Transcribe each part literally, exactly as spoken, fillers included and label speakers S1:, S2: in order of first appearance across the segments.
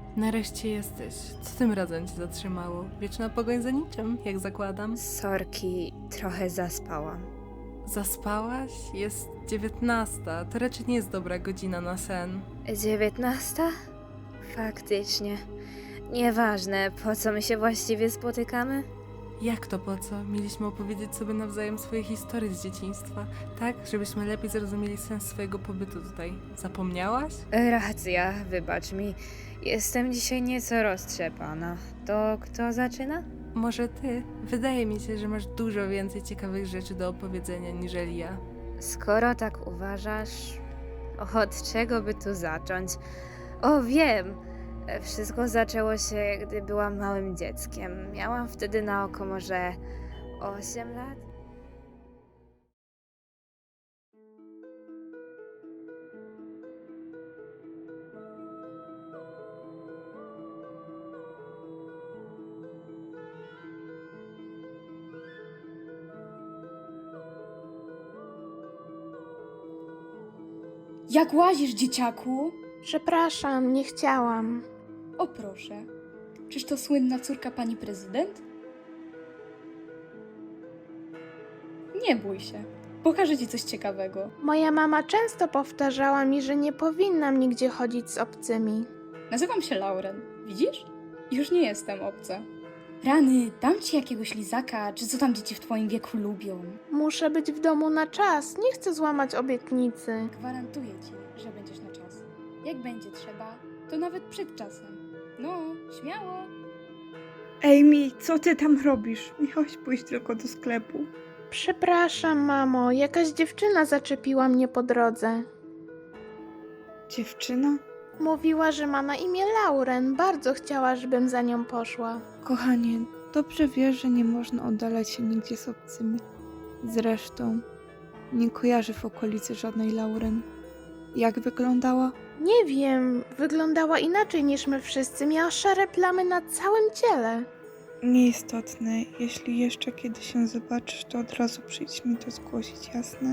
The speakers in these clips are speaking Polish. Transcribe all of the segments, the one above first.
S1: Nareszcie jesteś. Co tym razem cię zatrzymało? Wieczna pogoń za niczym, jak zakładam.
S2: Sorki, trochę zaspałam.
S1: Zaspałaś? Jest dziewiętnasta. To raczej nie jest dobra godzina na sen.
S2: Dziewiętnasta? Faktycznie. Nieważne, po co my się właściwie spotykamy?
S1: Jak to po co? Mieliśmy opowiedzieć sobie nawzajem swoje historie z dzieciństwa, tak? Żebyśmy lepiej zrozumieli sens swojego pobytu tutaj. Zapomniałaś?
S2: Racja, wybacz mi. Jestem dzisiaj nieco roztrzepana. To kto zaczyna?
S1: Może ty? Wydaje mi się, że masz dużo więcej ciekawych rzeczy do opowiedzenia niżeli ja.
S2: Skoro tak uważasz, od czego by tu zacząć? O, wiem! Wszystko zaczęło się, gdy byłam małym dzieckiem. Miałam wtedy na oko może osiem lat.
S3: Jak łazisz, dzieciaku?
S4: Przepraszam, nie chciałam.
S3: O proszę, czyż to słynna córka pani prezydent? Nie bój się, pokażę ci coś ciekawego.
S4: Moja mama często powtarzała mi, że nie powinnam nigdzie chodzić z obcymi.
S3: Nazywam się Lauren, widzisz? Już nie jestem obca. Rany, dam ci jakiegoś lizaka, czy co tam dzieci w twoim wieku lubią.
S4: Muszę być w domu na czas, nie chcę złamać obietnicy.
S3: Gwarantuję ci, że będziesz na czas. Jak będzie trzeba, to nawet przed czasem. No, śmiało.
S5: Amy, co ty tam robisz? Miałaś pójść tylko do sklepu.
S4: Przepraszam, mamo, jakaś dziewczyna zaczepiła mnie po drodze.
S5: Dziewczyna?
S4: Mówiła, że ma na imię Lauren, bardzo chciała, żebym za nią poszła.
S5: Kochanie, dobrze wiesz, że nie można oddalać się nigdzie z obcymi. Zresztą, nie kojarzę w okolicy żadnej Lauren. Jak wyglądała?
S4: Nie wiem, wyglądała inaczej niż my wszyscy, miała szare plamy na całym ciele.
S5: Nieistotne. Jeśli jeszcze kiedy się zobaczysz, to od razu przyjdź mi to zgłosić, jasne?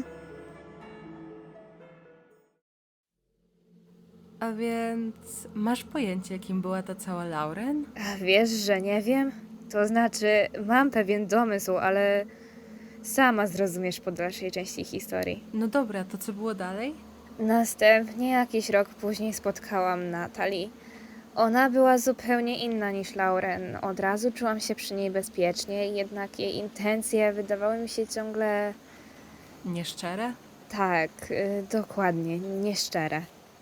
S1: A więc masz pojęcie, kim była ta cała Lauren?
S2: A wiesz, że nie wiem? To znaczy, mam pewien domysł, ale sama zrozumiesz po dalszej części historii.
S1: No dobra, to co było dalej?
S2: Następnie, jakiś rok później, spotkałam Natalie. Ona była zupełnie inna niż Lauren. Od razu czułam się przy niej bezpiecznie, jednak jej intencje wydawały mi się ciągle...
S1: Nieszczere?
S2: Tak, y, dokładnie, nieszczere.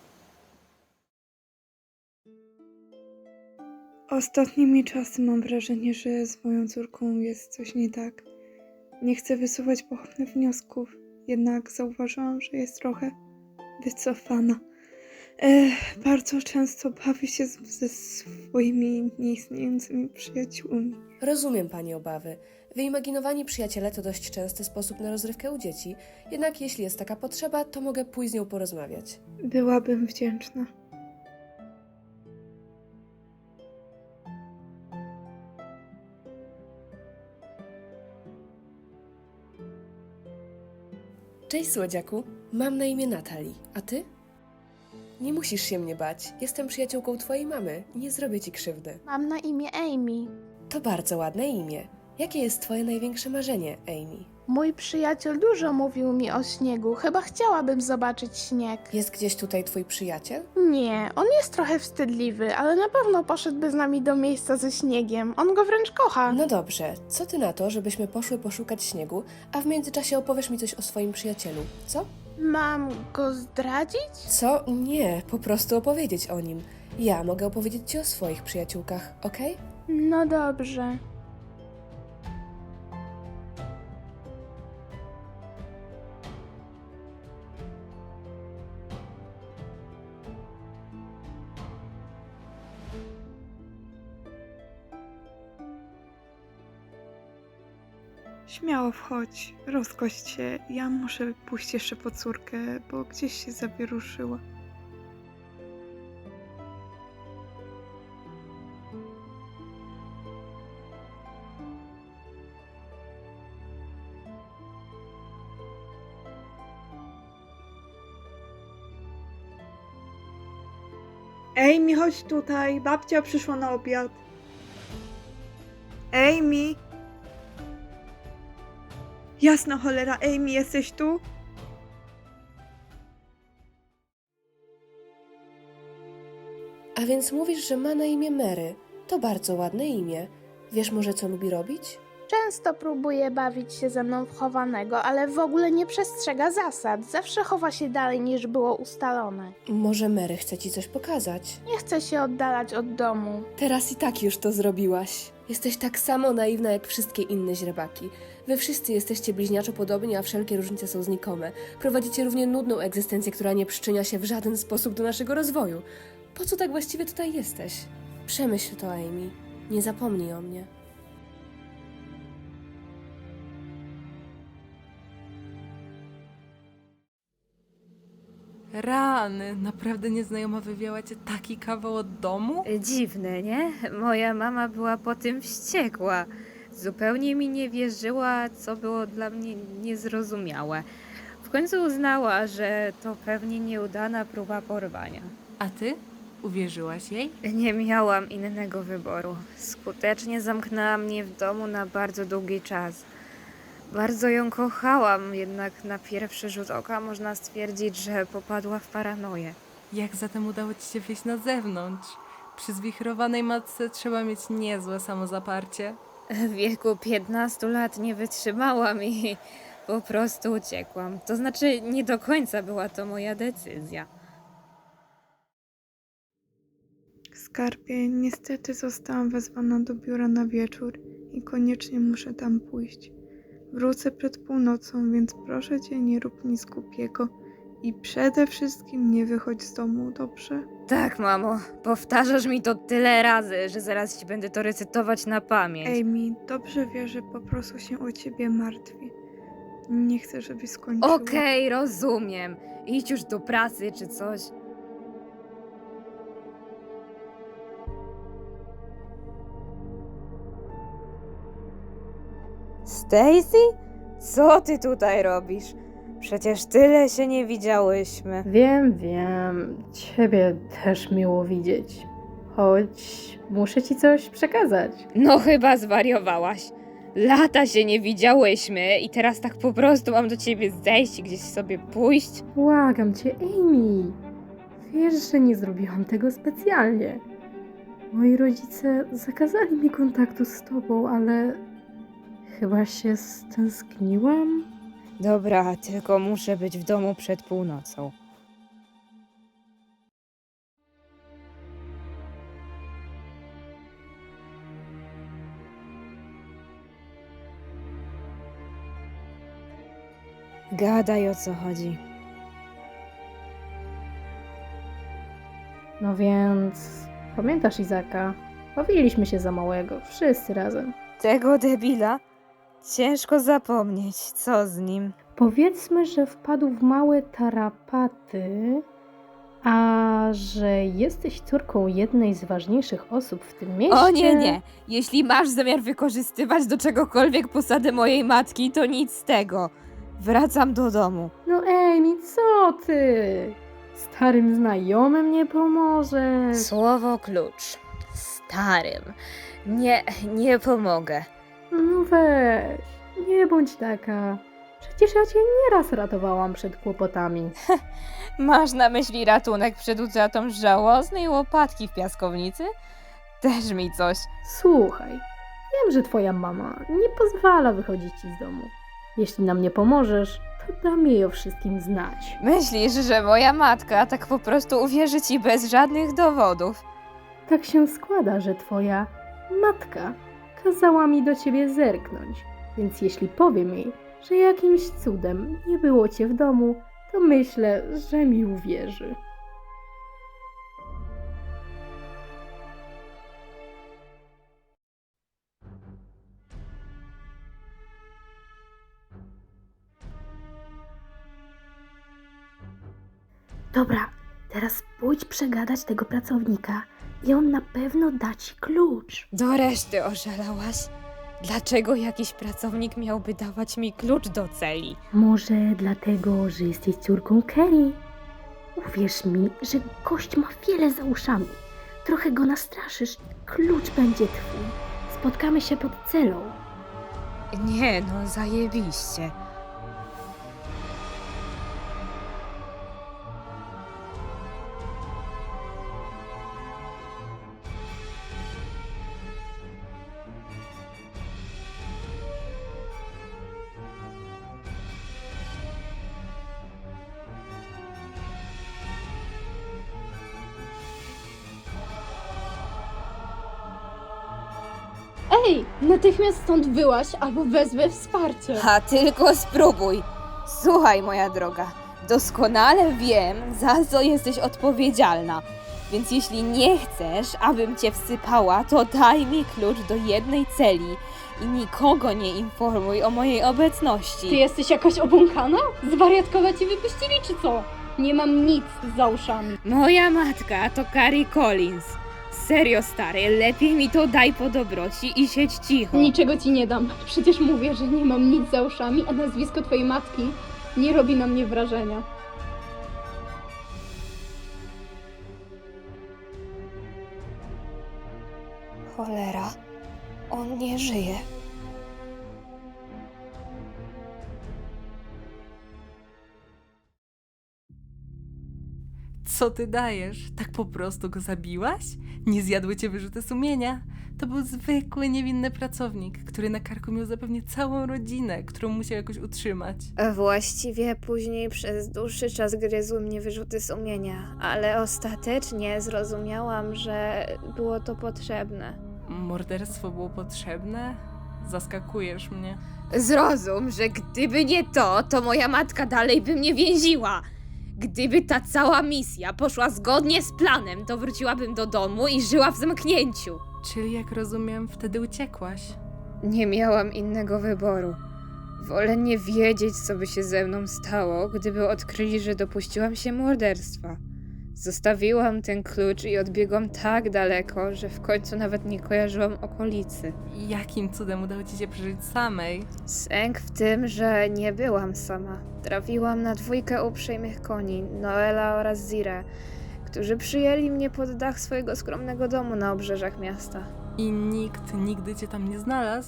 S5: Ostatnimi czasy mam wrażenie, że z moją córką jest coś nie tak. Nie chcę wysuwać pochopnych wniosków, jednak zauważyłam, że jest trochę wycofana. Ech, bardzo często bawi się z, ze swoimi nieistniejącymi przyjaciółmi.
S6: Rozumiem Pani obawy. Wyimaginowani przyjaciele to dość częsty sposób na rozrywkę u dzieci, jednak jeśli jest taka potrzeba, to mogę pójść z nią porozmawiać.
S5: Byłabym wdzięczna.
S6: Cześć słodziaku, mam na imię Natalie, a Ty? Nie musisz się mnie bać, jestem przyjaciółką Twojej mamy, nie zrobię Ci krzywdy.
S4: Mam na imię Amy.
S6: To bardzo ładne imię. Jakie jest Twoje największe marzenie, Amy?
S4: Mój przyjaciel dużo mówił mi o śniegu, chyba chciałabym zobaczyć śnieg.
S6: Jest gdzieś tutaj Twój przyjaciel?
S4: Nie, on jest trochę wstydliwy, ale na pewno poszedłby z nami do miejsca ze śniegiem. On go wręcz kocha.
S6: No dobrze, co Ty na to, żebyśmy poszły poszukać śniegu, a w międzyczasie opowiesz mi coś o swoim przyjacielu, co?
S4: Mam go zdradzić?
S6: Co? Nie, po prostu opowiedzieć o nim. Ja mogę opowiedzieć Ci o swoich przyjaciółkach, okej?
S4: No dobrze.
S5: Śmiało wchodź, rozgość się. Ja muszę pójść jeszcze po córkę, bo gdzieś się zawieruszyła. Amy, chodź tutaj, babcia przyszła na obiad. Amy! Jasna cholera, Amy, jesteś tu?
S6: A więc mówisz, że ma na imię Mary. To bardzo ładne imię. Wiesz może, co lubi robić?
S4: Często próbuje bawić się ze mną w chowanego, ale w ogóle nie przestrzega zasad. Zawsze chowa się dalej niż było ustalone.
S6: Może Mary chce ci coś pokazać?
S4: Nie chce się oddalać od domu.
S6: Teraz i tak już to zrobiłaś. Jesteś tak samo naiwna jak wszystkie inne źrebaki. Wy wszyscy jesteście bliźniaczo podobni, a wszelkie różnice są znikome. Prowadzicie równie nudną egzystencję, która nie przyczynia się w żaden sposób do naszego rozwoju. Po co tak właściwie tutaj jesteś? Przemyśl to, Amy. Nie zapomnij o mnie.
S1: Rany, naprawdę nieznajoma wywiała cię taki kawał od domu?
S2: Dziwne, nie? Moja mama była po tym wściekła. Zupełnie mi nie wierzyła, co było dla mnie niezrozumiałe. W końcu uznała, że to pewnie nieudana próba porwania.
S1: A ty? Uwierzyłaś jej?
S2: Nie miałam innego wyboru. Skutecznie zamknęła mnie w domu na bardzo długi czas. Bardzo ją kochałam, jednak na pierwszy rzut oka można stwierdzić, że popadła w paranoję.
S1: Jak zatem udało ci się wyjść na zewnątrz? Przy zwichrowanej matce trzeba mieć niezłe samozaparcie.
S2: W wieku piętnastu lat nie wytrzymałam i po prostu uciekłam. To znaczy, nie do końca była to moja decyzja.
S5: Skarbie, niestety zostałam wezwana do biura na wieczór i koniecznie muszę tam pójść. Wrócę przed północą, więc proszę cię, nie rób nic głupiego i przede wszystkim nie wychodź z domu, dobrze?
S2: Tak, mamo, powtarzasz mi to tyle razy, że zaraz ci będę to recytować na pamięć.
S5: Amy, dobrze wiesz, że po prostu się o ciebie martwię. Nie chcę, żebyś skończyła.
S2: Okej, rozumiem. Idź już do pracy czy coś. Stacy? Co ty tutaj robisz? Przecież tyle się nie widziałyśmy.
S7: Wiem, wiem. Ciebie też miło widzieć. Choć muszę ci coś przekazać.
S2: No chyba zwariowałaś. Lata się nie widziałyśmy i teraz tak po prostu mam do ciebie zejść i gdzieś sobie pójść.
S7: Błagam cię, Amy. Wiesz, że nie zrobiłam tego specjalnie. Moi rodzice zakazali mi kontaktu z tobą, ale chyba się stęskniłam.
S2: Dobra, tylko muszę być w domu przed północą. Gadaj, o co chodzi.
S7: No więc, pamiętasz Izaka? Bawiliśmy się za małego, wszyscy razem.
S2: Tego debila? Ciężko zapomnieć, co z nim.
S7: Powiedzmy, że wpadł w małe tarapaty, a że jesteś córką jednej z ważniejszych osób w tym mieście...
S2: O nie, nie. Jeśli masz zamiar wykorzystywać do czegokolwiek posady mojej matki, to nic z tego. Wracam do domu.
S7: No Amy, co ty? Starym znajomym nie pomożesz.
S2: Słowo klucz. Starym. Nie, nie pomogę.
S7: No weź, nie bądź taka. Przecież ja cię nieraz ratowałam przed kłopotami.
S2: Masz na myśli ratunek przed utratą żałosnej łopatki w piaskownicy? Też mi coś.
S7: Słuchaj, wiem, że twoja mama nie pozwala wychodzić ci z domu. Jeśli nam nie pomożesz, to dam jej o wszystkim znać.
S2: Myślisz, że moja matka tak po prostu uwierzy ci bez żadnych dowodów?
S7: Tak się składa, że twoja matka kazała mi do ciebie zerknąć, więc jeśli powiem jej, że jakimś cudem nie było cię w domu, to myślę, że mi uwierzy. Dobra, teraz pójdź przegadać tego pracownika i on na pewno da ci klucz.
S2: Do reszty oszalałaś. Dlaczego jakiś pracownik miałby dawać mi klucz do celi?
S7: Może dlatego, że jesteś córką Kerry? Uwierz mi, że gość ma wiele za uszami. Trochę go nastraszysz, klucz będzie twój. Spotkamy się pod celą.
S2: Nie no, zajebiście.
S8: Ej, natychmiast stąd wyłaź albo wezwę wsparcie.
S2: A tylko spróbuj. Słuchaj, moja droga, doskonale wiem, za co jesteś odpowiedzialna. Więc jeśli nie chcesz, abym cię wsypała, to daj mi klucz do jednej celi i nikogo nie informuj o mojej obecności.
S8: Ty jesteś jakaś obłąkana? Zwariatkowa ci wypuścili czy co? Nie mam nic za uszami.
S2: Moja matka to Carrie Collins. Serio, stary, lepiej mi to daj po dobroci i siedź cicho.
S8: Niczego ci nie dam. Przecież mówię, że nie mam nic za uszami, a nazwisko twojej matki nie robi na mnie wrażenia.
S2: Cholera, on nie żyje.
S1: Co ty dajesz? Tak po prostu go zabiłaś? Nie zjadły cię wyrzuty sumienia? To był zwykły, niewinny pracownik, który na karku miał zapewne całą rodzinę, którą musiał jakoś utrzymać.
S2: Właściwie później przez dłuższy czas gryzły mnie wyrzuty sumienia, ale ostatecznie zrozumiałam, że było to potrzebne.
S1: Morderstwo było potrzebne? Zaskakujesz mnie.
S2: Zrozum, że gdyby nie to, to moja matka dalej by mnie więziła. Gdyby ta cała misja poszła zgodnie z planem, to wróciłabym do domu i żyła w zamknięciu.
S1: Czyli jak rozumiem, wtedy uciekłaś.
S2: Nie miałam innego wyboru. Wolę nie wiedzieć, co by się ze mną stało, gdyby odkryli, że dopuściłam się morderstwa. Zostawiłam ten klucz i odbiegłam tak daleko, że w końcu nawet nie kojarzyłam okolicy.
S1: Jakim cudem udało ci się przeżyć samej?
S2: Sęk w tym, że nie byłam sama. Trafiłam na dwójkę uprzejmych koni, Noela oraz Zirę, którzy przyjęli mnie pod dach swojego skromnego domu na obrzeżach miasta.
S1: I nikt nigdy cię tam nie znalazł?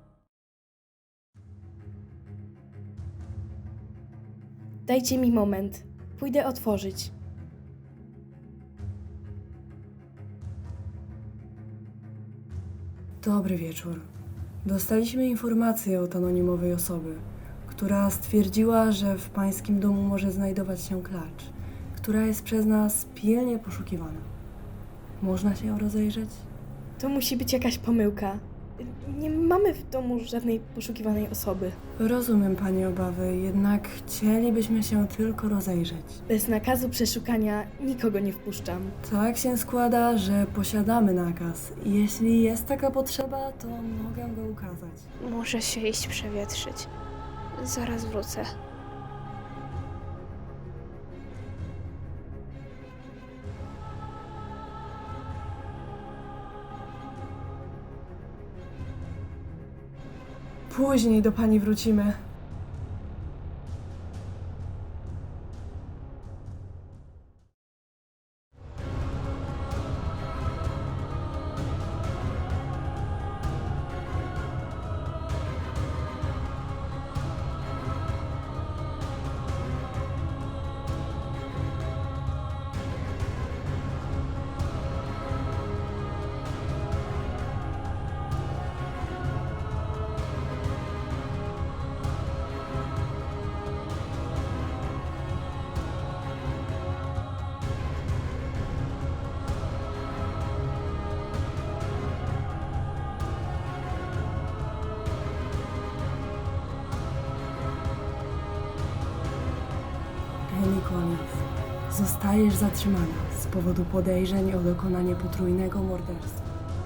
S6: Dajcie mi moment. Pójdę otworzyć.
S9: Dobry wieczór. Dostaliśmy informację od anonimowej osoby, która stwierdziła, że w pańskim domu może znajdować się klacz, która jest przez nas pilnie poszukiwana. Można się ją rozejrzeć?
S6: To musi być jakaś pomyłka. Nie mamy w domu żadnej poszukiwanej osoby.
S9: Rozumiem pani obawy, jednak chcielibyśmy się tylko rozejrzeć.
S6: Bez nakazu przeszukania nikogo nie wpuszczam.
S9: Tak się składa, że posiadamy nakaz. Jeśli jest taka potrzeba, to mogę go ukazać.
S2: Muszę się iść przewietrzyć. Zaraz wrócę.
S9: Później do pani wrócimy. Amy Collins, zostajesz zatrzymana z powodu podejrzeń o dokonanie potrójnego morderstwa.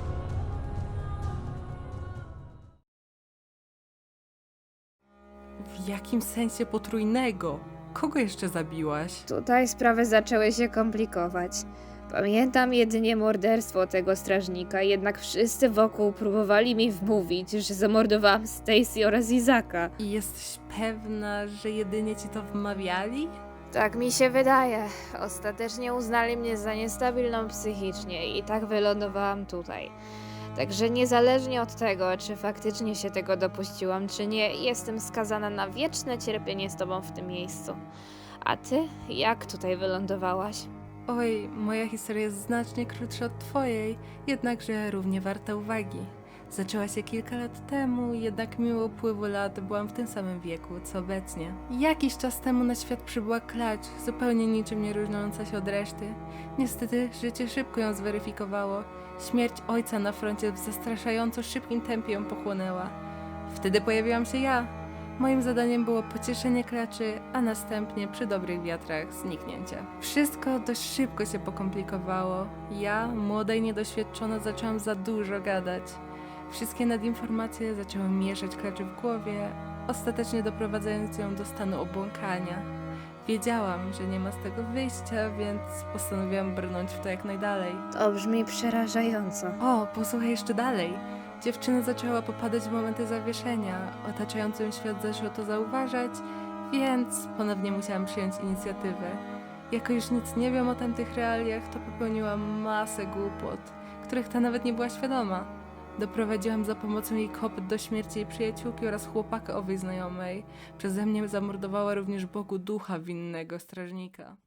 S1: W jakim sensie potrójnego? Kogo jeszcze zabiłaś?
S2: Tutaj sprawy zaczęły się komplikować. Pamiętam jedynie morderstwo tego strażnika, jednak wszyscy wokół próbowali mi wmówić, że zamordowałam Stacy oraz Izaka.
S1: I jesteś pewna, że jedynie ci to wmawiali?
S2: Tak mi się wydaje. Ostatecznie uznali mnie za niestabilną psychicznie i tak wylądowałam tutaj. Także niezależnie od tego, czy faktycznie się tego dopuściłam, czy nie, jestem skazana na wieczne cierpienie z tobą w tym miejscu. A ty? Jak tutaj wylądowałaś?
S1: Oj, moja historia jest znacznie krótsza od twojej, jednakże równie warta uwagi. Zaczęła się kilka lat temu, jednak mimo upływu lat byłam w tym samym wieku, co obecnie. Jakiś czas temu na świat przybyła klacz, zupełnie niczym nie różniąca się od reszty. Niestety życie szybko ją zweryfikowało. Śmierć ojca na froncie w zastraszająco szybkim tempie ją pochłonęła. Wtedy pojawiłam się ja. Moim zadaniem było pocieszenie klaczy, a następnie przy dobrych wiatrach zniknięcie. Wszystko dość szybko się pokomplikowało. Ja, młoda i niedoświadczona, zaczęłam za dużo gadać. Wszystkie nadinformacje zaczęły mieszać klaczy w głowie, ostatecznie doprowadzając ją do stanu obłąkania. Wiedziałam, że nie ma z tego wyjścia, więc postanowiłam brnąć w to jak najdalej.
S2: To brzmi przerażająco.
S1: O, posłuchaj jeszcze dalej. Dziewczyna zaczęła popadać w momenty zawieszenia, otaczający ją świat zaczął to zauważać, więc ponownie musiałam przyjąć inicjatywę. Jako już nic nie wiem o tamtych realiach, to popełniłam masę głupot, których ta nawet nie była świadoma. Doprowadziłam za pomocą jej kopyt do śmierci jej przyjaciółki oraz chłopaka owej znajomej. Przeze mnie zamordowała również Bogu ducha winnego strażnika.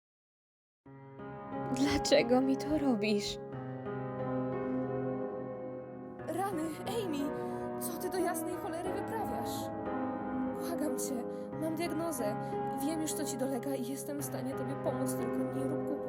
S2: Dlaczego mi to robisz?
S6: Rany, Amy! Co ty do jasnej cholery wyprawiasz? Błagam cię, mam diagnozę. Wiem już, co ci dolega i jestem w stanie tobie pomóc, tylko nie rób głupoty.